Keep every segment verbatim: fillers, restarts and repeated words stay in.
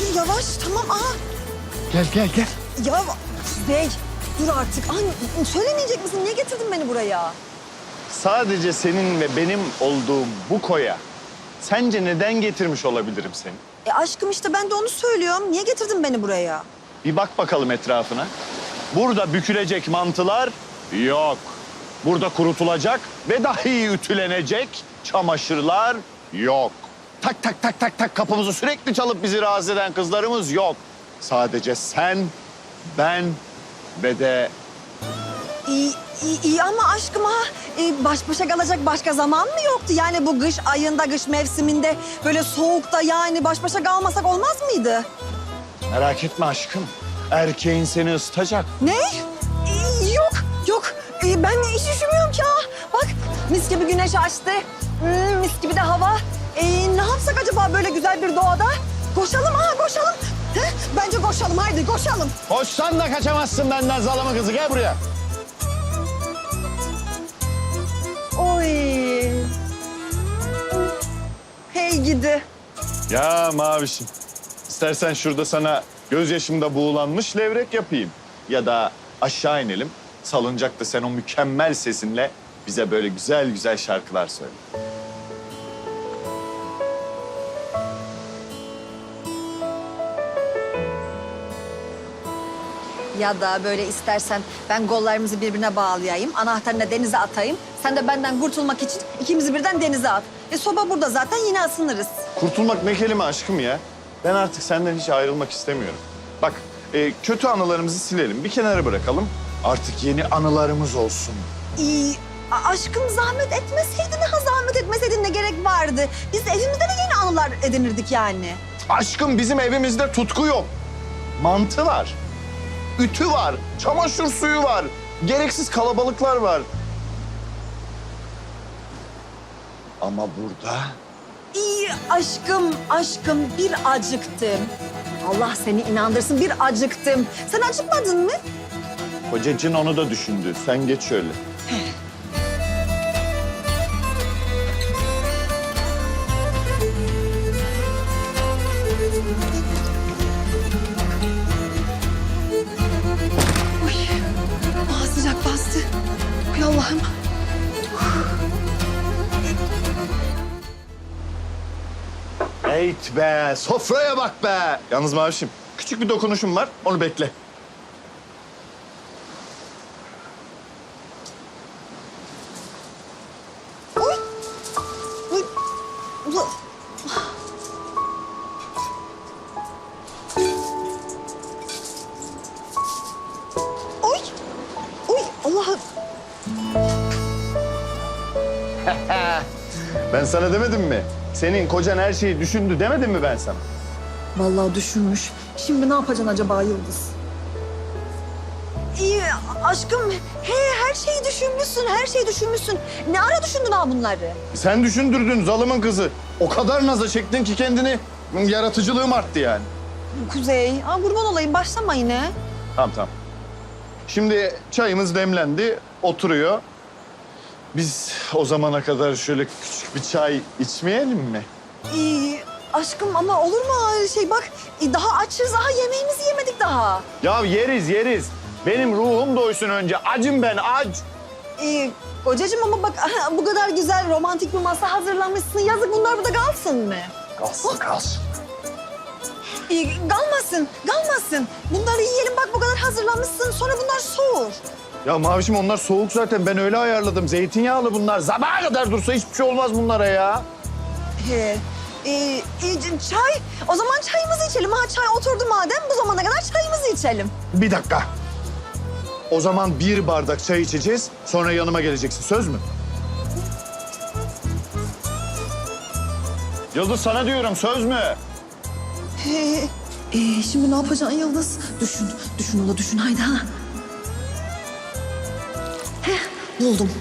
Ay yavaş tamam aha. Gel gel gel. Ya Kuzey dur artık. Ay, söylemeyecek misin? Niye getirdin beni buraya? Sadece senin ve benim olduğum bu koya sence neden getirmiş olabilirim seni? E aşkım işte ben de onu söylüyorum. Niye getirdin beni buraya? Bir bak bakalım etrafına. Burada bükülecek mantılar yok. Burada kurutulacak ve dahi ütülenecek çamaşırlar yok. Tak tak tak tak tak kapımızı sürekli çalıp bizi rahatsız eden kızlarımız yok. Sadece sen, ben ve de İyi, iyi, iyi ama aşkım ha e, baş başa kalacak başka zaman mı yoktu? Yani bu kış ayında, kış mevsiminde böyle soğukta yani baş başa kalmasak olmaz mıydı? merak etme aşkım. Erkeğin seni ısıtacak. Ne? E, yok, yok. E, ben hiç üşümüyorum ki ha. Bak mis gibi güneş açtı. Hmm, mis gibi de hava. E, ne yapsak acaba böyle güzel bir doğada? Koşalım ha, koşalım. He? Bence koşalım, haydi koşalım. Koşsan da kaçamazsın benden zalama kızı. Gel buraya. Oy. Hey gidi. Ya Mavişim, istersen şurada sana gözyaşımda buğulanmış levrek yapayım. Ya da aşağı inelim, salıncakta sen o mükemmel sesinle bize böyle güzel güzel şarkılar söyle. Ya da böyle istersen ben kollarımızı birbirine bağlayayım, anahtarını denize atayım. Sen de benden kurtulmak için ikimizi birden denize at. E soba burada zaten yine ısınırız. Kurtulmak ne kelime aşkım ya? Ben artık senden hiç ayrılmak istemiyorum. Bak, e, kötü anılarımızı silelim, bir kenara bırakalım. Artık yeni anılarımız olsun. İyi, a- aşkım zahmet etmeseydin, ha zahmet etmeseydin ne gerek vardı? Biz evimizde de yeni anılar edinirdik yani. Aşkım bizim evimizde tutku yok. Mantı var. Ütü var. Çamaşır suyu var. Gereksiz kalabalıklar var. Ama burada İyi aşkım, aşkım bir acıktım. Allah seni inandırsın bir acıktım. Sen acıkmadın mı? kocacığın onu da düşündü. Sen geç şöyle. Aa, sıcak bastı. Ay Allah'ım. Eyt be, sofraya bak be. Yalnız Mavişim, küçük bir dokunuşum var. Onu bekle. Oy. Oy. Ula. Oy. Oy Allah'ım. Ben sana demedim mi? Senin kocan her şeyi düşündü demedim mi ben sana? Vallahi düşünmüş. Şimdi ne yapacaksın acaba Yıldız? İyi aşkım. He her şeyi düşünmüşsün, her şeyi düşünmüşsün. Ne ara düşündün ha bunları? Sen düşündürdün zalımın kızı. O kadar naza çektin ki kendini. Yaratıcılığım arttı yani. Kuzey, aa, kurban olayım başlama yine. Tamam tamam. Şimdi çayımız demlendi, oturuyor. Biz o zamana kadar şöyle küçük bir çay içmeyelim mi? İyi aşkım ama olur mu öyle şey bak e, daha açız, daha yemeğimizi yemedik daha. Ya yeriz yeriz. Benim ruhum doysun önce. Acım ben aç. İyi kocacığım ama bak aha, bu kadar güzel romantik bir masa hazırlamışsın. Yazık bunlar burada kalsın mı? Kalsın kalsın. İyi kalmasın, kalmasın. Bunları yiyelim bak bu kadar hazırlamışsın sonra bunlar soğur. Ya Mavişim onlar soğuk zaten. Ben öyle ayarladım. Zeytinyağlı bunlar. Sabaha kadar dursa hiçbir şey olmaz bunlara ya. He. Ee, e, çay, o zaman çayımızı içelim. Ha çay oturdu madem bu zamana kadar çayımızı içelim. Bir dakika. O zaman bir bardak çay içeceğiz. Sonra yanıma geleceksin. Söz mü? Yıldız sana diyorum. Söz mü? He. Ee, şimdi ne yapacaksın Yıldız? Düşün, düşün ola düşün haydi ha. Heh, buldum.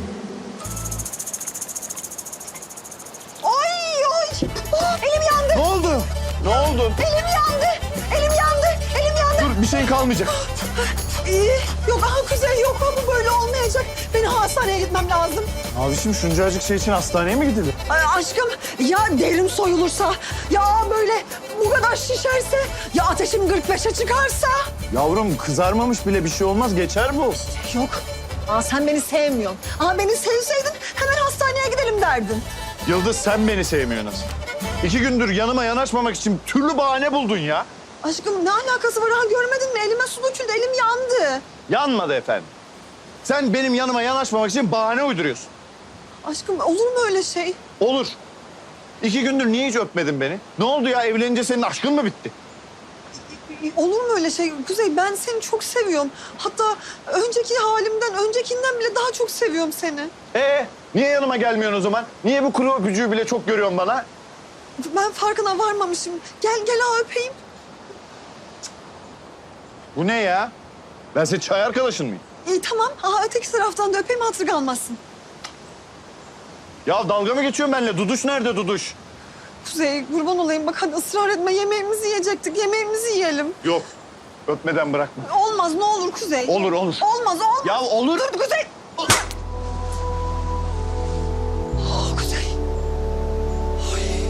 Oy oy! Oh, elim yandı. Ne oldu? Ne oldu? Elim yandı. Elim yandı. Elim yandı. Dur bir şeyin kalmayacak. Ee, yok aha Kuzey yok ha bu böyle olmayacak. Benim hastaneye gitmem lazım. Mavişim şuncacık şey için hastaneye mi gidilir? Ay, aşkım ya derim soyulursa ya böyle bu kadar şişerse? Ya ateşim kırk beşe çıkarsa? Yavrum kızarmamış bile bir şey olmaz. Geçer bu. Yok. Aa, sen beni sevmiyorsun. Aa, beni sevseydin hemen hastaneye gidelim derdin. Yıldız sen beni sevmiyorsun nasıl? İki gündür yanıma yanaşmamak için türlü bahane buldun ya. Aşkım ne alakası var? Ha, görmedin mi? Elime su döküldü. Elim yandı. Yanmadı efendim. Sen benim yanıma yanaşmamak için bahane uyduruyorsun. Aşkım olur mu öyle şey? Olur. İki gündür niye hiç öpmedin beni? Ne oldu ya? Evlenince senin aşkın mı bitti? Olur mu öyle şey? Kuzey ben seni çok seviyorum. Hatta önceki halimden, öncekinden bile daha çok seviyorum seni. Ee, niye yanıma gelmiyorsun o zaman? Niye bu kuru öpücüğü bile çok görüyorsun bana? Ben farkına varmamışım. Gel gel ha öpeyim. Bu ne ya? Ben senin çay arkadaşın mıyım? İyi tamam. Aha öteki taraftan da öpeyim hatır kalmasın. Ya dalga mı geçiyorsun benimle? Duduş nerede Duduş? Kuzey kurban olayım bak hadi ısrar etme. Yemeğimizi yiyecektik. Yemeğimizi yiyelim. Yok. Öpmeden bırakma. Olmaz ne olur Kuzey. Olur olur. Olmaz olmaz. Ya olur. Dur Kuzey. Oh, Kuzey. Ay.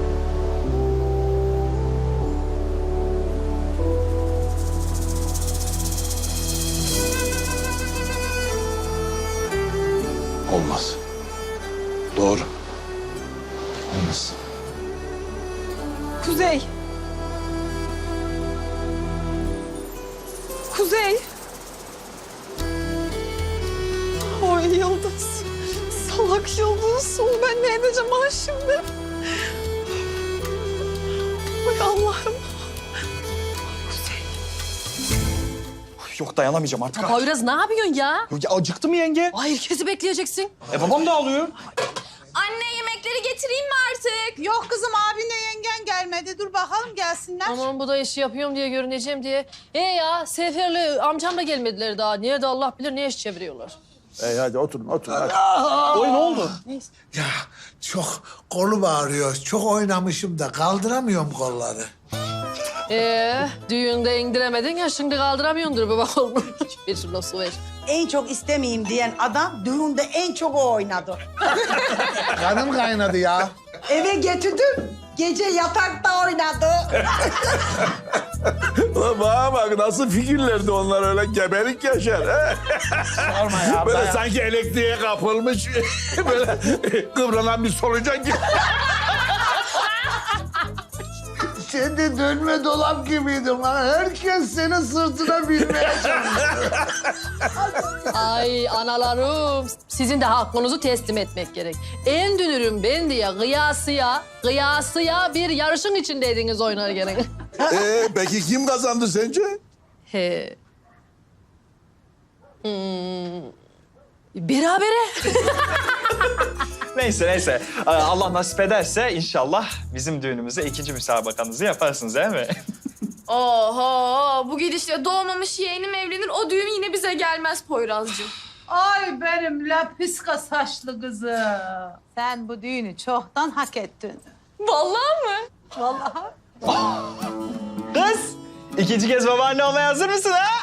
Olmaz. Doğru. Olmaz. Kuzey. Kuzey. Ay Yıldız. Salak Yıldız. Oğlum ben ne edeceğim ha şimdi? Ay Allah'ım. Kuzey. Yok dayanamayacağım artık. ha. Poyraz ne yapıyorsun ya? Yok ya acıktı mı yenge? Ay herkesi bekleyeceksin. E babam da ağlıyor. Anne yemekleri getireyim mi artık? Yok kızım abinle yengen gelmedi. Dur bakalım gelsinler. Aman bu da işi yapıyorum diye görüneceğim diye. E ya Sefer'le amcam da gelmediler daha. Nerede Allah bilir ne iş çeviriyorlar. Ey hadi oturun oturun hadi. Oy ne oldu? Ya çok kolum ağrıyor. Çok oynamışım da kaldıramıyorum kolları. Ee, düğünde indiremedin ya şimdi kaldıramıyordur baba oğlum. Bir şuna su ver. En çok istemeyeyim diyen adam düğünde en çok o oynadı. Kanım kaynadı ya. Eve getirdim. Gece yatakta oynadı. Ulan bana bak nasıl figürlerdi onlar öyle gebelik yaşar. He? Sorma ya. Böyle ben- sanki elektriğe kapılmış böyle kıvranan bir solucan gibi. Sen de dönme dolap gibiydin lan. Herkes senin sırtına binmeye çalışıyor. Ay analarım sizin de hakkınızı teslim etmek gerek. En dünürüm ben diye kıyasıya, kıyasıya bir yarışın içindeydiniz oynarken. Ee, peki kim kazandı sence? He. Hmm. Berabere. Neyse neyse. Ee, Allah nasip ederse inşallah bizim düğünümüzde ikinci müsabakanızı yaparsınız değil mi? Oho bu gidişle doğmamış yeğenim evlenir o düğün yine bize gelmez Poyrazcığım. Ay benim lapiska saçlı kızım. Sen bu düğünü çoktan hak ettin. Vallahi mı? Vallahi. Kız, ikinci kez babaanne olmaya hazır mısın ha?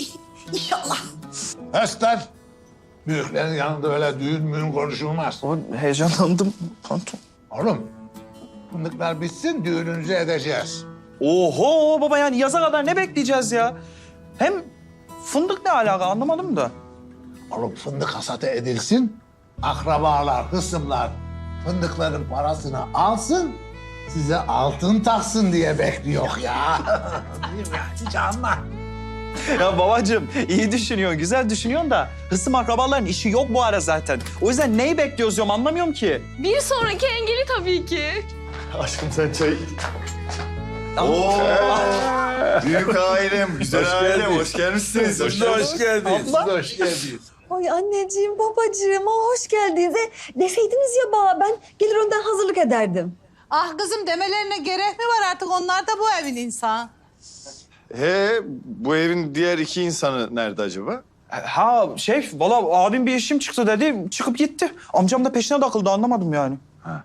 Höstler. Büyüklerin yanında öyle düğün müğün konuşulmaz. Heyecanlandım pantolon. Oğlum, fındıklar bitsin düğününüzü edeceğiz. Oho baba yani yaza kadar ne bekleyeceğiz ya? Hem fındık ne alaka anlamadım da. Oğlum fındık hasatı edilsin. Akrabalar, hısımlar fındıkların parasını alsın. Size altın taksın diye bekliyor ya. Değil mi? Hiç anla. Ya babacığım iyi düşünüyorsun, güzel düşünüyorsun da hısım akrabaların işi yok bu ara zaten. O yüzden neyi bekliyoruz diyorum anlamıyorum ki. Bir sonraki engeli tabii ki. Aşkım sen çay... Oo, büyük ailem, güzel Hoş ailem. geldin. Hoş gelmişsiniz. Siz de hoş geldiniz. Siz de hoş geldiniz. Ay anneciğim, babacığım, aa, hoş geldiniz. E, deseydiniz ya bana, ben gelir önden hazırlık ederdim. Ah kızım demelerine gerek mi var artık? Onlar da bu evin insanı. He, bu evin diğer iki insanı nerede acaba? Ha şey valla abim bir işim çıktı dedi çıkıp gitti. Amcam da peşine takıldı anlamadım yani.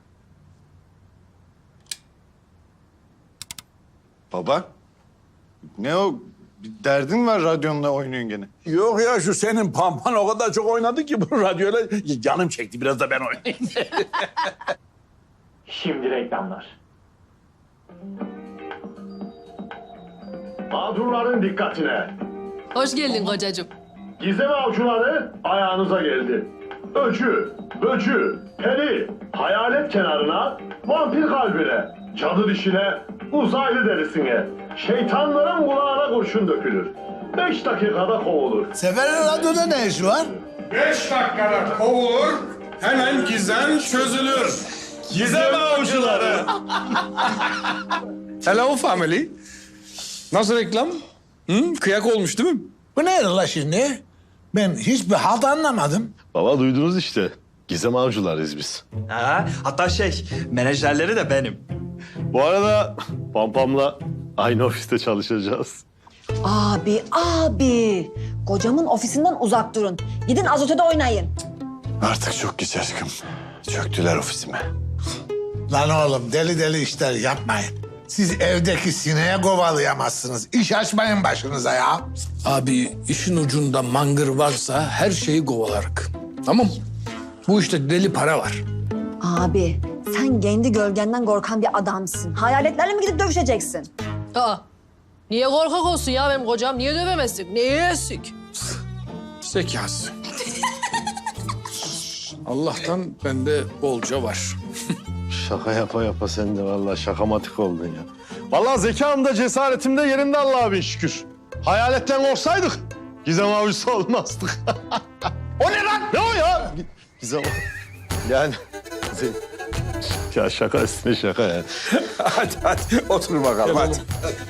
Baba, ne o? Bir derdin var radyonla oynuyorsun gene. Yok ya şu senin pampan o kadar çok oynadı ki bu radyoyla canım çekti biraz da ben oynayayım. Şimdi reklamlar. Mağdurların dikkatine. Hoş geldin kocacığım. Gizem avcıları ayağınıza geldi. Öcü, böcü, peri, hayalet kenarına, vampir kalbine, cadı dişine, uzaylı derisine, şeytanların kulağına kurşun dökülür. Beş dakikada kovulur. Sefer'in radyoda ne işi var? Beş dakikada kovulur, hemen gizem çözülür. Gizem avcıları. Hello family. Nasıl reklam? Hı? Kıyak olmuş değil mi? Bu ne la şimdi? Ben hiçbir halt anlamadım. Baba duydunuz işte. Gizem avcılarıyız biz. Ha, hatta şey, menajerleri de benim. Bu arada Pampam'la aynı ofiste çalışacağız. Abi, abi. Kocamın ofisinden uzak durun. Gidin azotede oynayın. Artık çok geç aşkım. Çöktüler ofisime. Lan oğlum deli deli işler yapmayın. Siz evdeki sineğe kovalayamazsınız. İş açmayın başınıza ya. Abi işin ucunda mangır varsa her şeyi kovalarık. Tamam. Bu işte deli para var. Abi, sen kendi gölgenden korkan bir adamsın. Hayaletlerle mi gidip dövüşeceksin? Aa, niye korkak olsun ya benim kocam? Niye dövemezdik? Niye yesik? Zekası. Allah'tan bende bolca var. Şaka yapa yapa sen de vallahi şakamatik oldun ya. Vallahi zekam da cesaretim de yerinde Allah'a bin şükür. Hayaletten korksaydık Gizem avcısı olmazdık. O ne lan? Ne o ya? Gizem yani ya şaka üstüne şaka ya. hadi hadi otur bakalım hadi.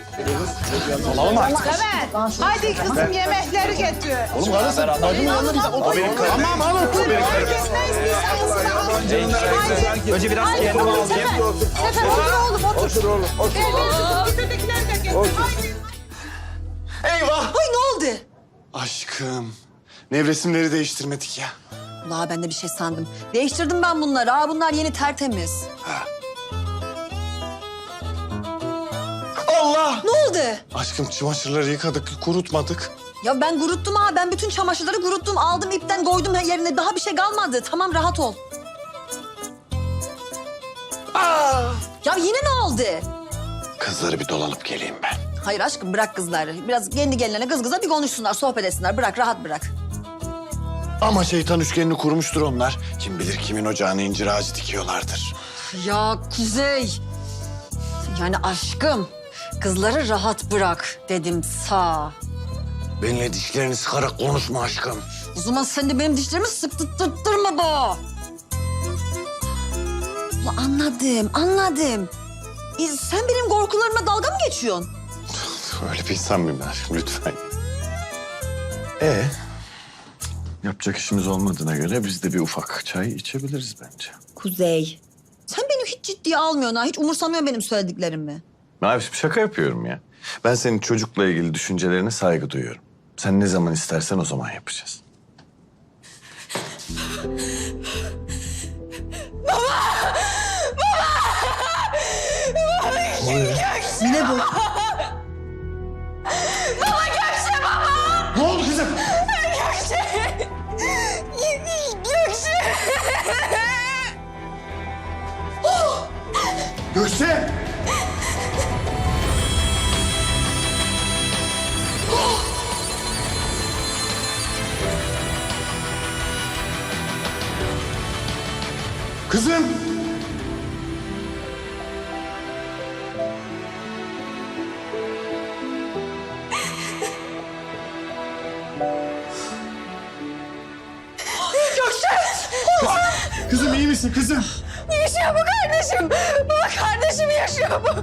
Evet. Hadi kızım yemekleri getir. Oğlum karısı bacımın yanında bize otur. Tamam hanım. Herkes ne istiyorsa Önce biraz kendimi alayım. Sefer otur oğlum otur. Otur oğlum otur. Getirdikileri de getir. Haydi. Eyvah! Ay ne oldu? Aşkım, nevresimleri değiştirmedik ya. La ben de bir şey sandım. Değiştirdim ben bunları. Aa, bunlar yeni tertemiz. Allah! Ne oldu? Aşkım çamaşırları yıkadık, kurutmadık. Ya ben kuruttum ha. Ben bütün çamaşırları kuruttum. Aldım ipten koydum her yerine. Daha bir şey kalmadı. Tamam rahat ol. Aa! Ya yine ne oldu? Kızları bir dolanıp geleyim ben. Hayır aşkım bırak kızları. Biraz kendi kendilerine kız kıza bir konuşsunlar, sohbet etsinler. Bırak rahat bırak. Ama şeytan üçgenini kurmuştur onlar. Kim bilir kimin ocağına incir ağacı dikiyorlardır. Ya Kuzey. Yani aşkım kızları rahat bırak dedim sağ. Benimle dişlerini sıkarak konuşma aşkım. O zaman sen de benim dişlerimi sıktırtırma bu. Ulan anladım, anladım. E, sen benim korkularıma dalga mı geçiyorsun? Öyle bir insan mıyım ben aşkım lütfen. Ee, yapacak işimiz olmadığına göre biz de bir ufak çay içebiliriz bence. Kuzey, sen beni hiç ciddiye almıyorsun ha. Hiç umursamıyorsun benim söylediklerimi. Mavişim şaka yapıyorum ya. Ben senin çocukla ilgili düşüncelerine saygı duyuyorum. Sen ne zaman istersen o zaman yapacağız. Yine bu. Ne oldu kızım? Gökçe! Kızım! Kızım iyi misin kızım? Yaşıyor bu kardeşim. Baba kardeşim yaşıyor bu.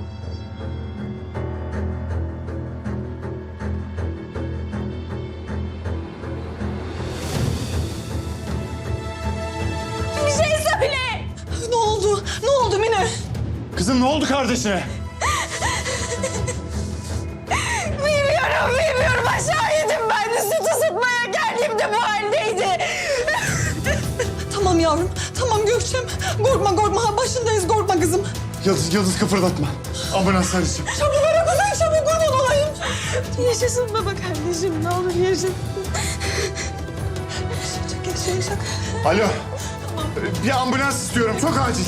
Bir şey söyle. Ne oldu? Ne oldu Mine? Kızım ne oldu kardeşine? Bilmiyorum, bilmiyorum. Aşağı yedim ben de süt ısıtmaya geldiğimde bu haldeydi. Tamam yavrum, tamam Gökçem. Korkma, korkma. Başındayız, korkma kızım. Yıldız, Yıldız kıpırdatma. Ambulans arayacağım. Çabuk ara kuzey, çabuk kurban olayım. Yaşasın baba kardeşim, ne olur yaşasın. Yaşayacak, yaşayacak. Alo. Bir ambulans istiyorum. Çok acil.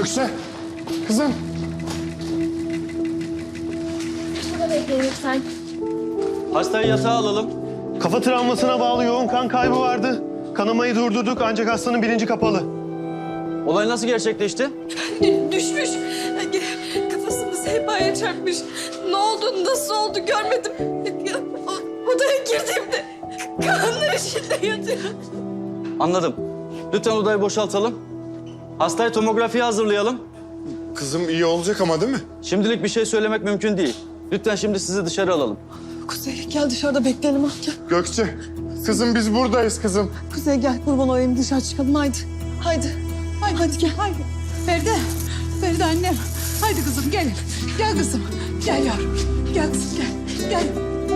Gökçe, kızım. Şurada bekleyin lütfen. Hastayı yatağa alalım. Kafa travmasına bağlı yoğun kan kaybı vardı. Kanamayı durdurduk ancak hastanın bilinci kapalı. Olay nasıl gerçekleşti? Düşmüş. Kafasını sehpaya çarpmış. Ne oldu, nasıl oldu görmedim. O- Odaya girdiğimde kanlar içinde yatıyor. Anladım. Lütfen odayı boşaltalım. Hastayı tomografiye hazırlayalım. Kızım iyi olacak ama değil mi? Şimdilik bir şey söylemek mümkün değil. Lütfen şimdi sizi dışarı alalım. Kuzey gel dışarıda bekleyelim ha. Gel. Gökçe, kızım biz buradayız kızım. Kuzey gel kurban olayım dışarı çıkalım haydi. Haydi. Haydi, hadi gel. Haydi. Feride, Feride annem. Haydi kızım gelin. Gel kızım. Gel yavrum. Gel kızım gel. Gel.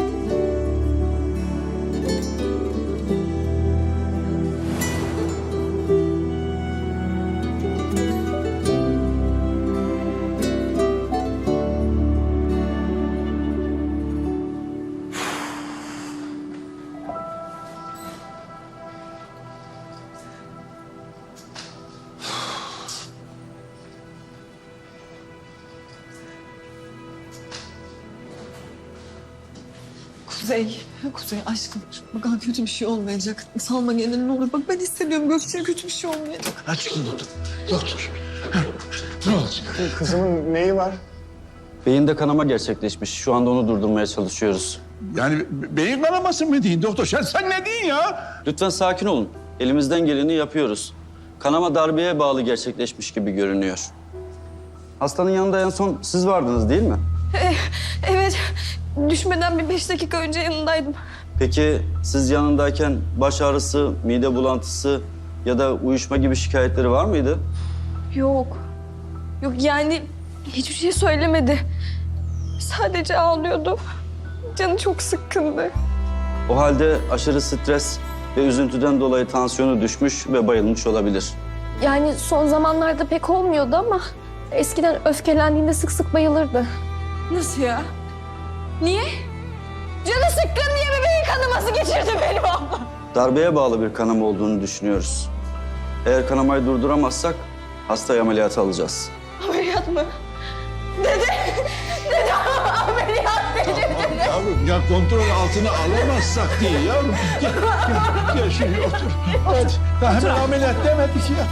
Kuzey, Kuzey aşkım. Bak ha, kötü bir şey olmayacak. Salma kendini ne olur. Bak ben hissediyorum Gökçe'ye kötü bir şey olmayacak. Aç kızım doktor. Doktor. Ne olacak? Kızımın neyi var? Beyinde kanama gerçekleşmiş. Şu anda onu durdurmaya çalışıyoruz. Yani be- beyin kanaması mı deyin doktor? Sen, sen ne diyorsun ya? Lütfen sakin olun. Elimizden geleni yapıyoruz. Kanama darbeye bağlı gerçekleşmiş gibi görünüyor. Hastanın yanında en son siz vardınız değil mi? Evet, düşmeden bir beş dakika önce yanındaydım. Peki siz yanındayken baş ağrısı, mide bulantısı ya da uyuşma gibi şikayetleri var mıydı? Yok. Yok yani hiçbir şey söylemedi. Sadece ağlıyordu. Canı çok sıkkındı. O halde aşırı stres ve üzüntüden dolayı tansiyonu düşmüş ve bayılmış olabilir. Yani son zamanlarda pek olmuyordu ama eskiden öfkelendiğinde sık sık bayılırdı. Nasıl ya? Niye? Canı sıkkın diye mi beyin kanaması geçirdi benim ablam? Darbeye bağlı bir kanama olduğunu düşünüyoruz. Eğer kanamayı durduramazsak hastayı ameliyata alacağız. Ameliyat mı? Dede! Dede ameliyat dedi. Yavrum ya kontrol altına alamazsak diye yavrum. Gel, gel, gel şimdi otur. Hadi. Daha hemen ameliyat demedik ya.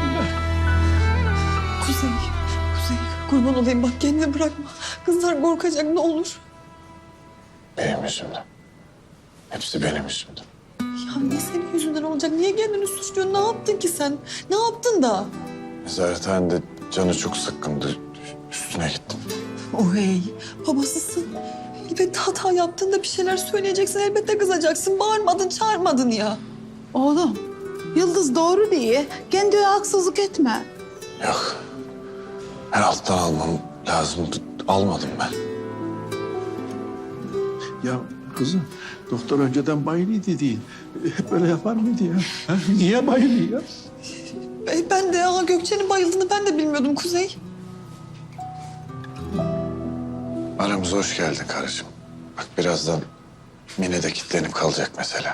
Kuzey, Kuzey kurban olayım bak kendini bırakma. Kızlar korkacak ne olur. Benim yüzümden. Hepsi benim yüzümden. Ya niye senin yüzünden olacak? Niye kendini suçluyorsun? Ne yaptın ki sen? Ne yaptın da? Nezarethanede canı çok sıkkındı. Üstüne gittim. Oh hey, babasısın. Elbette hata yaptığında bir şeyler söyleyeceksin. Elbette kızacaksın. Bağırmadın, çağırmadın ya. Oğlum, Yıldız doğru diye. Kendine haksızlık etme. Yok. Her alttan almam lazımdı. Almadım ben. Ya kızım doktor önceden bayılıydı değil. Hep böyle yapar mıydı ya? Ha? Niye bayılıyor ya? E, Ben de ya Gökçe'nin bayıldığını ben de bilmiyordum Kuzey. Aramıza hoş geldin karıcığım. Bak birazdan Mine de kilitlenip kalacak mesela.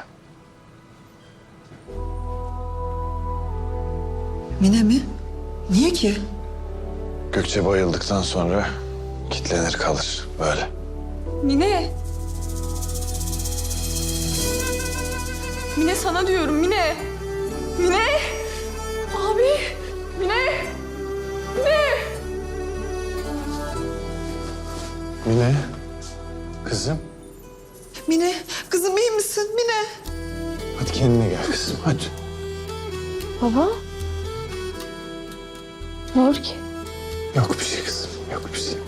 Mine mi? Niye ki? Gökçe bayıldıktan sonra kilitlenir kalır böyle. Mine. Mine sana diyorum Mine. Mine. Abi. Mine. Mine. Mine, kızım. Mine, kızım iyi misin? Mine. Hadi kendine gel kızım hadi. Baba. Ne olur ki? Yok bir şey kızım, yok bir şey.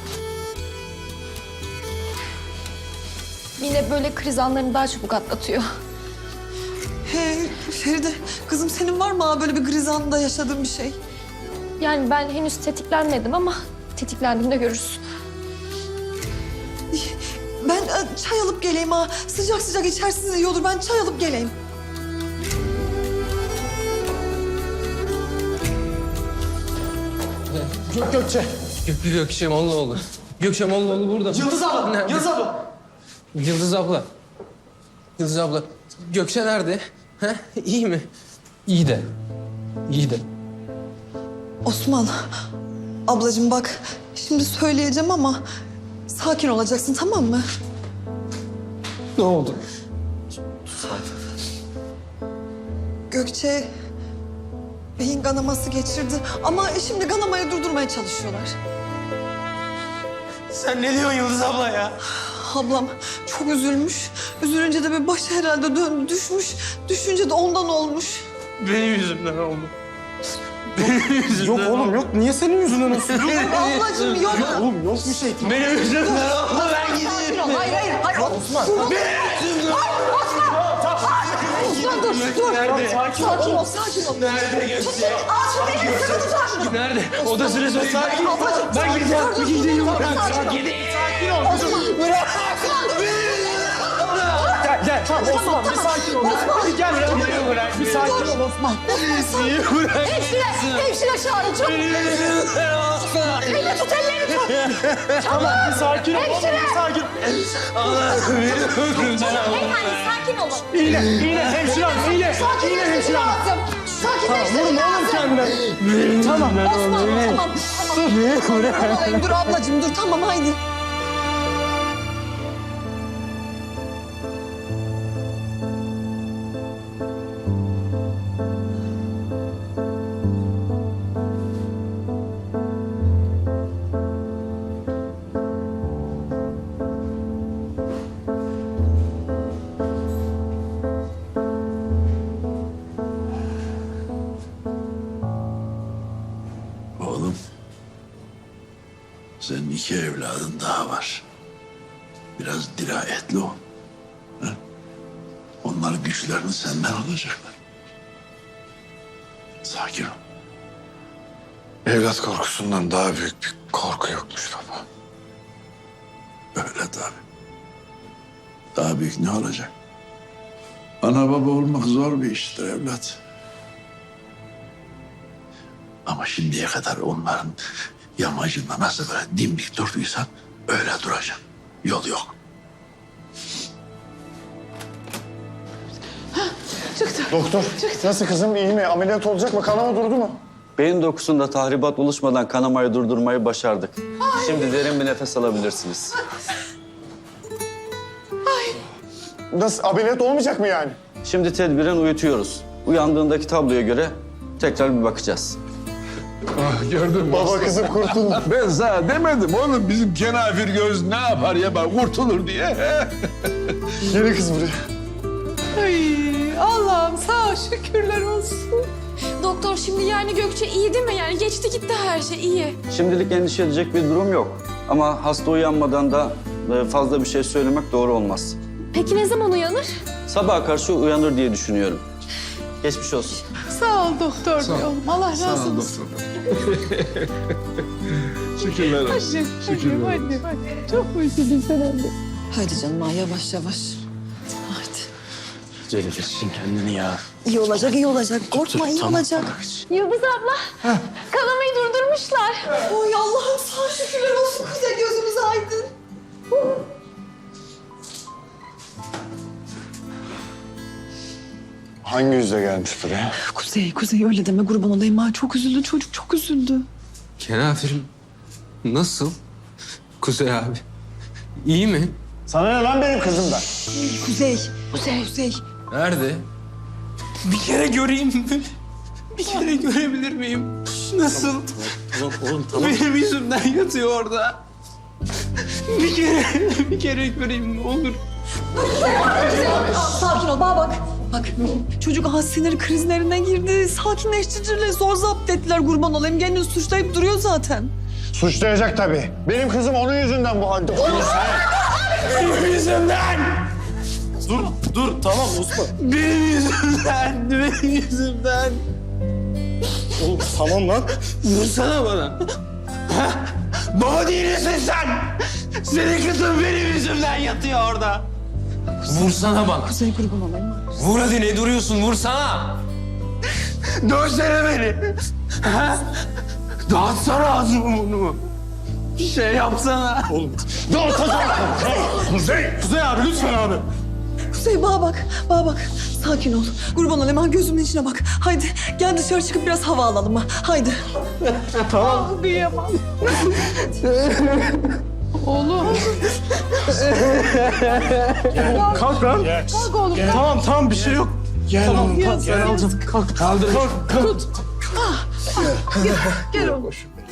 Mine böyle kriz anlarını daha çabuk atlatıyor. He, Feride, kızım senin var mı ha böyle bir kriz anında yaşadığın bir şey? Yani ben henüz tetiklenmedim ama tetiklendiğimde görürsün. Ben e, çay alıp geleyim ha. Sıcak sıcak içersiniz iyi olur. Ben çay alıp geleyim. Gök Gökçe. Gök Gökçe Mollaoğlu. Gökçe Mollaoğlu burada. Yıldız abla, Nerede? Yıldız abla. Yıldız abla. Yıldız abla. Gökçe nerede? He? İyi mi? İyi de. İyi de. Osman, ablacığım bak şimdi söyleyeceğim ama sakin olacaksın tamam mı? Ne oldu? Gökçe beyin kanaması geçirdi ama şimdi kanamayı durdurmaya çalışıyorlar. Sen ne diyorsun Yıldız abla ya? Ablam çok üzülmüş. Üzülünce de bir başı herhalde döndü düşmüş. Düşünce de ondan olmuş. Benim yüzümden oldu. Benim yüzümden Yok oğlum yok. Niye senin yüzünden olsun? Ablacığım yok. Oğlum yok bir şey. Benim yüzümden oldu. Ben gideyim. Hayır hayır hayır. Osman. Benim yüzümden. Osman dur dur. Nerede? Sakin ol sakin ol. Nerede Gökçe? Aa şu beni sıkı tutar. Nerede? Odasını söyle. Sakin ol. Ablacığım, Ben sakin gideceğim. ol, dur, Gideyim. dur, dur, Bırak. sakin ol. Gideyim. Sakin ol. Bırak. Gel, gel. Tamam Osman bir sakin ol. Bir gel buraya. Bırak. Bir sakin ol Osman. Niye bırak? Hemşire, hemşire çağırın çabuk. Elini tut, elini tut. Tamam bir sakin ol. Hemşire. Bir sakin. Allah'ım beni öldürürsen Beyefendi sakin olun. İğne, iğne hemşire hanım, iğne. İğne hemşire hanım. Sakinleştirmem lazım. Tamam, vurma oğlum kendine. Tamam. Osman tamam. Tamam. Dur ablacığım dur tamam haydi. Oğlum, senin iki evladın daha var. Biraz dirayetli ol. Ha? Onlar güçlerini senden alacaklar. Sakin ol. Evlat korkusundan daha büyük bir korku yokmuş baba. Öyle tabii. Daha büyük ne olacak? Ana baba olmak zor bir iştir evlat. Ama şimdiye kadar onların yamacında nasıl böyle dimdik durduysan öyle duracaksın. Yol yok. Doktor, nasıl kızım? İyi mi? Ameliyat olacak mı? Kanama durdu mu? Beyin dokusunda tahribat oluşmadan kanamayı durdurmayı başardık. Şimdi derin bir nefes alabilirsiniz. Nasıl? Ameliyat olmayacak mı yani? Şimdi tedbiren uyutuyoruz. Uyandığındaki tabloya göre tekrar bir bakacağız. Ah, gördün mü? Baba kızım kurtuldu. Ben sana demedim oğlum bizim kenafir göz ne yapar ya bak kurtulur diye. Yeni kız buraya. Ay Allah'ım sağ ol şükürler olsun. Doktor şimdi yani Gökçe iyi değil mi? Yani geçti gitti her şey iyi. Şimdilik endişe edecek bir durum yok. Ama hasta uyanmadan da e, fazla bir şey söylemek doğru olmaz. Peki ne zaman uyanır? Sabaha karşı uyanır diye düşünüyorum. Geçmiş olsun. Sağ ol doktor bey oğlum. Allah razı olsun. Şükürler olsun. Hadi, hadi, hadi. Çok üzüldüm sen anne. Haydi canım ha, yavaş yavaş. Haydi. Celil'sin kendini ya. İyi olacak iyi olacak. Korkma iyi olacak. Yıldız abla. Kanamayı durdurmuşlar. Oy Allah'ım sağ şükürler olsun. Kuzey gözümüz aydın. Hangi yüzle gelmiş buraya? Kuzey, Kuzey öyle deme kurban olayım ha. Çok üzüldü çocuk, çok üzüldü. Kenafirim nasıl? Kuzey abi. İyi mi? Sana ne lan benim kızımdan? Kuzey, Kuzey, Kuzey. Nerede? Bir kere göreyim mi? Bir kere görebilir miyim? Nasıl? Oğlum, oğlum tamam. Benim yüzümden yatıyor orada. Bir kere, bir kere göreyim ne olur. Sakin ol, bana bak. Bak, çocuk aha sinir krizlerine girdi. Sakinleştiriciyle zor zapt ettiler kurban olayım. Kendini suçlayıp duruyor zaten. Suçlayacak tabii. Benim kızım onun yüzünden bu halde. Benim yüzümden! Dur, dur tamam Osman. Benim yüzümden, benim yüzümden. Oğlum tamam lan. Vursana bana. Ha? Baba değil misin sen? Senin kızın benim yüzümden yatıyor orada. Vursana bana. Kuzey kurban olayım. Vur hadi ne duruyorsun vursana. Dövsene beni. Ha? Dağıtsana ağzımı bunu. Bir şey yapsana. Oğlum. Dur Kuzey. Kuzey. Kuzey abi lütfen abi. Kuzey bana bak, bana bak. Sakin ol. Kurban ol hemen gözümün içine bak. Haydi gel dışarı çıkıp biraz hava alalım ha. Haydi. Tamam. Kıyamam. Oğlum. Kalk lan. Kalk oğlum. Tamam tamam bir şey yok. Gel Tamam, oğlum kalk. gel, Gel gel. alacağım. Kalk. Kaldır. Kalk. Kalk. Tut. Gel, gel oğlum.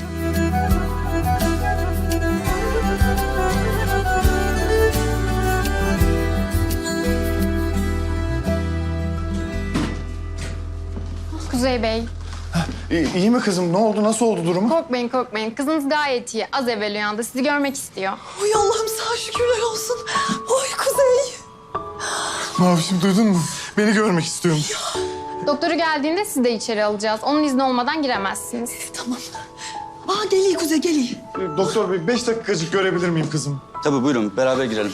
Kuzey Bey, İyi, iyi mi kızım? Ne oldu? Nasıl oldu durumu? korkmayın korkmayın. Kızınız gayet iyi. Az evvel uyandı. Sizi görmek istiyor. Oy Allah'ım sana şükürler olsun. Oy Kuzey. Mavişim duydun mu? Beni görmek istiyormuş. Doktoru geldiğinde sizi de içeri alacağız. Onun izni olmadan giremezsiniz. Tamam. Aa geliyor Kuzey geliyor. Doktor bey beş dakikacık görebilir miyim kızım? Tabii buyurun beraber girelim.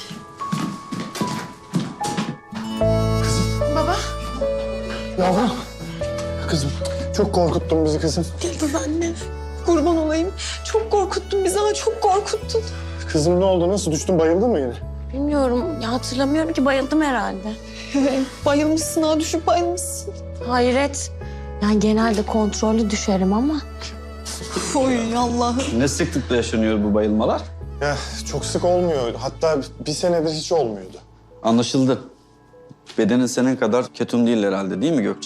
Baba. Yavrum. Kızım çok korkuttun bizi kızım. Yıldız annem. Kurban olayım. Çok korkuttun bizi ha çok korkuttun. Kızım ne oldu? Nasıl düştün? Bayıldın mı yine? Bilmiyorum. Ya hatırlamıyorum ki bayıldım herhalde. Bayılmışsın ha düşüp bayılmışsın. Hayret. Yani genelde kontrollü düşerim ama. Oy Allah'ım. Ne sıklıkla yaşanıyor bu bayılmalar? Ya çok sık olmuyor. Hatta bir senedir hiç olmuyordu. Anlaşıldı. Bedenin senin kadar ketum değil herhalde değil mi Gökçe?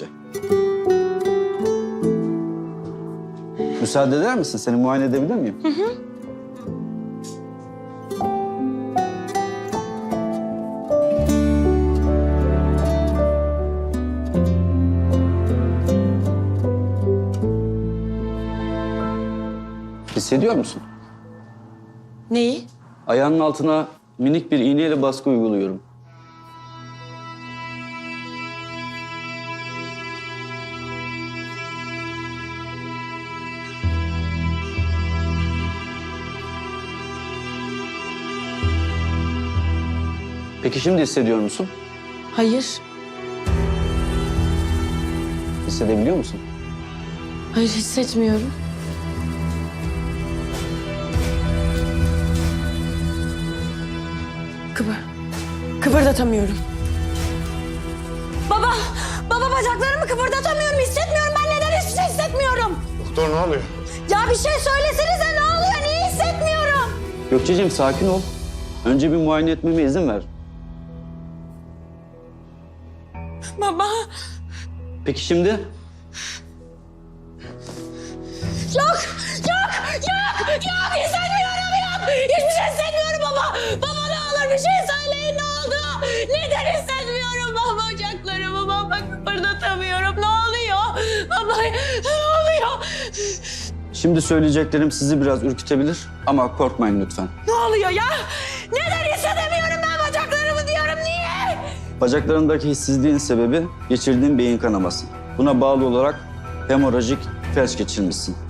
Müsaade eder misin? Seni muayene edebilir miyim? Hı hı. Hissediyor musun? Neyi? Ayağının altına minik bir iğneyle baskı uyguluyorum. Peki şimdi hissediyor musun? Hayır. Hissedebiliyor musun? Hayır hissetmiyorum. Kıvır. Kıpırdatamıyorum. Baba! Baba bacaklarımı kıpırdatamıyorum. Hissetmiyorum. Ben neden hiçbir şey hissetmiyorum? Doktor ne oluyor? Ya bir şey söylesenize ne oluyor? Niye hissetmiyorum? Gökçeciğim sakin ol. Önce bir muayene etmeme izin ver. Baba! Peki şimdi? Yok! Yok! Yok! Yok! Hissetmiyorum yok! Hiçbir şey hissetmiyorum baba! Baba ne olur bir şey söyleyin ne oldu? Neden hissetmiyorum baba bacaklarımı? Baba kıpırdatamıyorum. Ne oluyor? Baba ne oluyor? Şimdi söyleyeceklerim sizi biraz ürkütebilir ama korkmayın lütfen. Ne oluyor ya? Neden hissedemiyorum ben bacaklarımı diyorum niye? Bacaklarındaki hissizliğin sebebi geçirdiğin beyin kanaması. Buna bağlı olarak hemorajik felç geçirmişsin.